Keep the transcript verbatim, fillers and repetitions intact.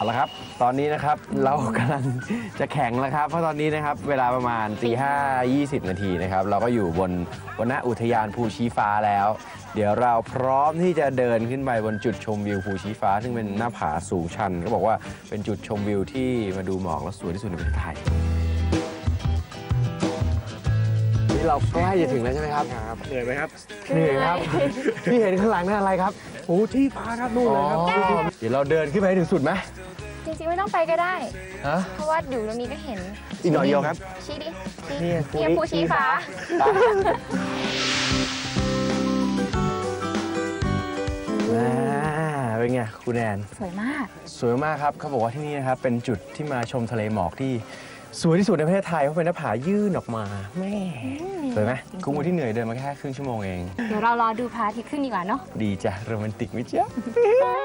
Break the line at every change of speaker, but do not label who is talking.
เอาละครับตอนนี้นะครับเรากำลังจะแข่งแล้วครับเพราะตอนนี้นะครับเวลาประมาณตีห้ายี่สิบนาทีนะครับเราก็อยู่บนวรรณอุทยานภูชี้ฟ้าแล้ว เดี๋ยวเราพร้อมที่จะเดินขึ้นไปบนจุดชมวิวภูชี้ฟ้าซึ่งเป็นหน้าผาสูงชันก็บอกว่าเป็นจุดชมวิวที่มาดูหมอกแล้วสวยที่สุดในประเทศไทยนี่เราใกล้จะถึงแล้วใช่ไหมครับเหนื่อยไหมครับเหนื่อยครับพี่เห็นข้างหลังนั่นอะไรครับโอ้ที่ฟ้าครับนู่นเลยครับเดี๋ยวเราเดินขึ้นไปถึงสุดไหม
จริงๆไม่ต้องไปก็ได้
ฮะ
เพราะว่าอยู่ตรงนี้ก็เห็น
อีกหน่อยเดียวครับ
ชี้ดิ
นี่
เนี่ยภูชี้ฟ้า
อ่าเป็นไงคุณแอน
สวยมาก
สวยมากครับเขาบอกว่าที่นี่นะครับเป็นจุดที่มาชมทะเลหมอกที่สวยที่สุดในประเทศไทยเพราะเป็นหน้าผายื่นออกมาแม่สวยไหมคุ้มกว่าที่เหนื่อยเดินมาแค่ครึ่งชั่วโมงเอง
เดี๋ยวเรารอดูพระอาทิตย์ขึ้นดีกว่าเนาะ
ดีจ้ะโรแมนติกไหมจ๊ะ